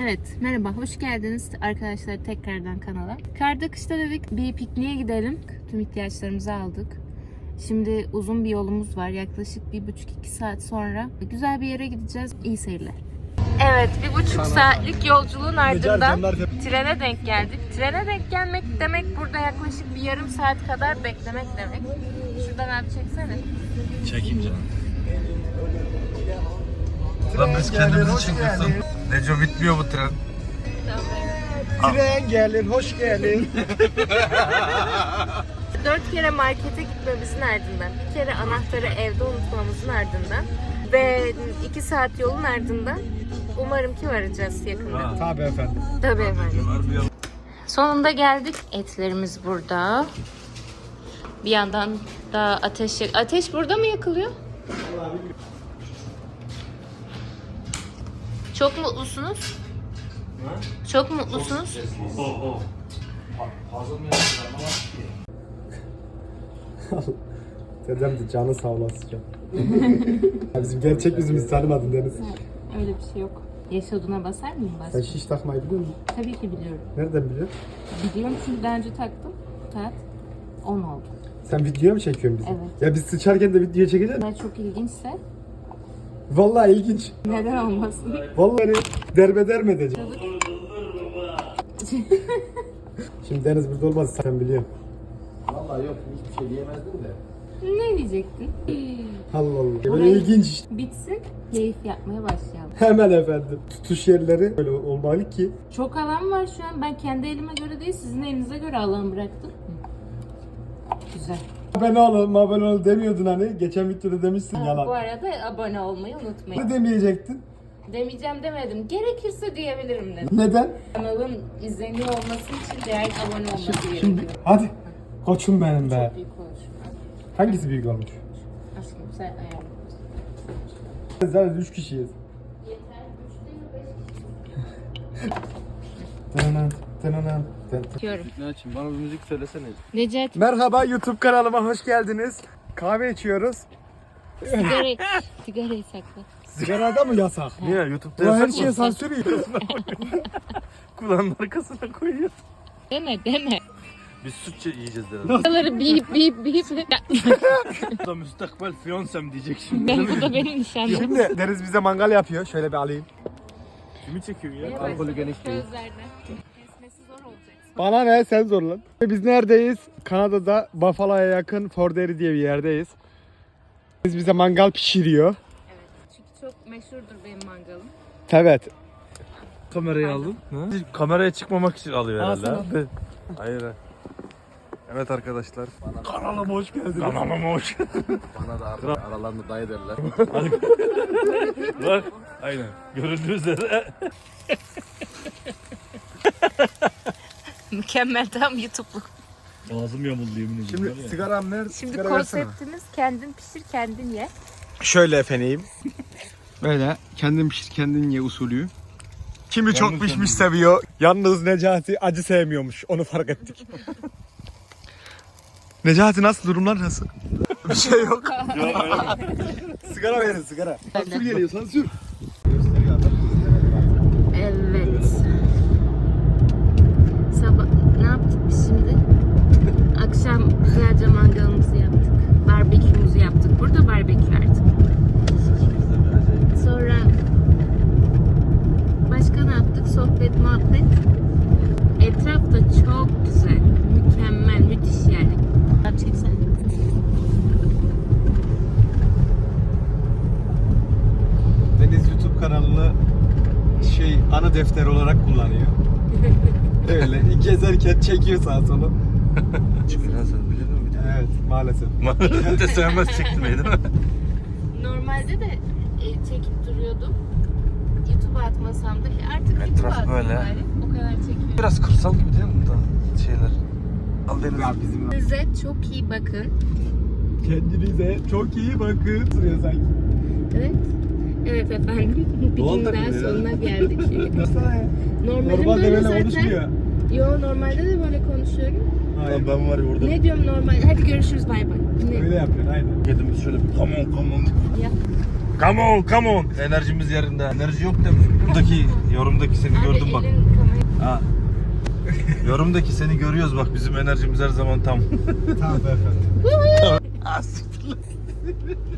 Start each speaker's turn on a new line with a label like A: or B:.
A: Evet, merhaba, hoş geldiniz arkadaşlar tekrardan kanala. Karda kışta dedik bir pikniğe gidelim. Tüm ihtiyaçlarımızı aldık. Şimdi uzun bir yolumuz var. Yaklaşık 1,5-2 saat sonra güzel bir yere gideceğiz. İyi seyirler. Evet, 1,5 saatlik yolculuğun ardından trene denk geldik. Trene denk gelmek demek burada yaklaşık bir yarım saat kadar beklemek demek. Şuradan abi çeksene.
B: Çekeyim canım. Lan biz kendimizi çekiyorsun. Neco bitmiyor bu tren.
C: Tren gelir, hoş geldin.
A: 4 kere markete gitmemizin ardından, bir kere anahtarı evde unutmamızın ardından ve 2 saat yolun ardından umarım ki varacağız yakında.
C: Tabii efendim.
A: Tabii efendim. Sonunda geldik. Etlerimiz burada. Bir yandan da ateş burada mı yakılıyor? Çok mutlusunuz? Çok mutlusunuz?
C: Dedem de canı sağ olasın. Ya bizim gerçek yüzümüzü tanımadın Deniz.
A: Öyle bir şey yok. Yaşadığına basar mıyım?
C: Sen şiş takmayı biliyor musun?
A: Tabii ki biliyorum.
C: Nereden biliyorsun?
A: Biliyorum çünkü daha önce taktım. Saat 10 oldu.
C: Sen video mu çekiyorsun bizi?
A: Evet.
C: Ya biz sıçarken de video çekeceğiz.
A: Eğer çok ilginçse
C: Vallahi ilginç.
A: neden olmasın?
C: Vallahi derbeder mi edeceğim? Şimdi Deniz burada olmaz sen biliyorsun.
D: Vallahi yok hiçbir şey diyemezdim de.
A: Ne diyecektin?
C: Allah Allah. Böyle ilginç işte.
A: Bitsin, keyif yapmaya başlayalım.
C: Hemen efendim. Tutuş yerleri böyle olmalı ki.
A: Çok alan var şu an. Ben kendi elime göre değil, sizin elinize göre alan bıraktım. Güzel.
C: Abone ol demiyordun hani. Geçen videoda demişsin
A: Bu
C: yalan.
A: arada abone olmayı unutmayın.
C: Ne demeyecektin?
A: Demeyeceğim demedim. Gerekirse diyebilirim dedim.
C: Neden?
A: Kanalın izleniyor olması için değerli abone olması gerekiyor.
C: Şimdi hadi. Koçum benim be.
A: Çok büyük konuşma.
C: Hangisi büyük olmuş?
A: Aşkım sen ayarla.
C: Zaten 3 kişiyiz.
A: Yeter. 3 değil mi? 5 kişi? Diyorum.
D: Ne için? Bana bir müzik söylesene.
A: Necati
C: Merhaba YouTube kanalıma hoş geldiniz. Kahve içiyoruz.
A: sigarayı sakla.
C: Sigarada mı yasak?
B: Niye? YouTube'da
C: Bu her
B: yasak
C: şeye
B: mı?
C: sansür yiyor.
B: Kulağının arkasına koyuyor.
A: Deme.
B: Biz süt yiyeceğiz dedi.
A: Buraları bip.
B: Bu da müstakbel fiyansem diyecek şimdi.
A: Bu da benim nişanlım.
C: Şimdi Deniz bize mangal yapıyor. Şöyle bir alayım.
B: Kimi çekiyor ya?
D: Alkolü geniş değil.
A: Sözlerde. Kesmesi zor olacak.
C: Bana ne sen zorlan. Biz neredeyiz? Kanada'da Buffalo'ya yakın Fort Erie diye bir yerdeyiz. Biz bize mangal pişiriyor.
A: Evet. Çünkü çok meşhurdur benim mangalım.
C: Evet.
B: Kamerayı aldın. Kameraya çıkmamak için alıyor herhalde.
C: Al
B: ha? Hayır. Evet arkadaşlar.
C: Kanalıma hoş geldiniz.
B: Kanalıma hoş geldin.
D: Bana da artık aralarında dayı derler.
B: Bak. Aynen. Görüldüğü üzere.
A: Mükemmel, tam YouTube'luk.
B: Ağzım yamuldu yemin ediyorum.
C: Şimdi sigaram nerede?
A: Şimdi
C: Sigara versene.
A: konseptimiz kendin pişir kendin ye.
C: Şöyle efendim. Böyle kendin pişir kendin ye usulü. Kimi çok pişmiş seviyor. Yalnız Necati acı sevmiyormuş. Onu fark ettik. Necati nasıl? Durumlar nasıl? Bir şey yok. Sigara verin sigara. Sansür geliyor sansür.
A: Evet. Sabah ne yaptık biz şimdi? Akşam güzelce mangalımızı yaptık. Barbekümüzü yaptık. Burada barbekü artık. Sonra başka ne yaptık? Sohbet, muhabbet. Etraf da çok güzel. Mükemmel, müthiş yani. Abi çeksene.
C: Deniz YouTube kanalını ana defter olarak kullanıyor. Öyle gezerken çekiyor sağa sola.
B: Çıkıyor sen biliyor musun?
C: Evet maalesef.
B: Maalesef de sevmez çektirmeyi değil mi?
A: Normalde de çekip duruyordum. YouTube'a atmasam da artık YouTube'a
B: Etraf
A: atayım
B: böyle.
A: bari. O kadar çekiyorum.
B: Biraz kırsal gibi değil mi burada şeyler? Al deniz.
C: Ya bizim
A: Size çok iyi bakın.
C: kendinize çok iyi bakın. Sırıyor sanki.
A: Evet. Evet efendim. Bir
B: Doğal
A: gün daha
B: takılıyor ya.
A: sonuna geldik.
C: Nasılsana ya?
A: Normalde
C: Normalde
A: böyle
C: böyle
A: zaten.
C: konuşmuyor.
A: Yo, normalde de böyle konuşuyorum.
C: Hayır.
B: Ben var ya orada.
A: Ne diyorum normal? Hadi görüşürüz, bay bay. Ne?
C: Öyle yapıyorsun aynen.
B: Kedimiz şöyle bir come on
A: Yap.
B: Come on, come on. Enerjimiz yerinde. Enerji yok demiş. Yorumdaki seni gördüm bak. Ha. Yorumdaki seni görüyoruz bak. Bizim enerjimiz her zaman tam.
C: Tamam efendim.
B: Ah, siktir lan.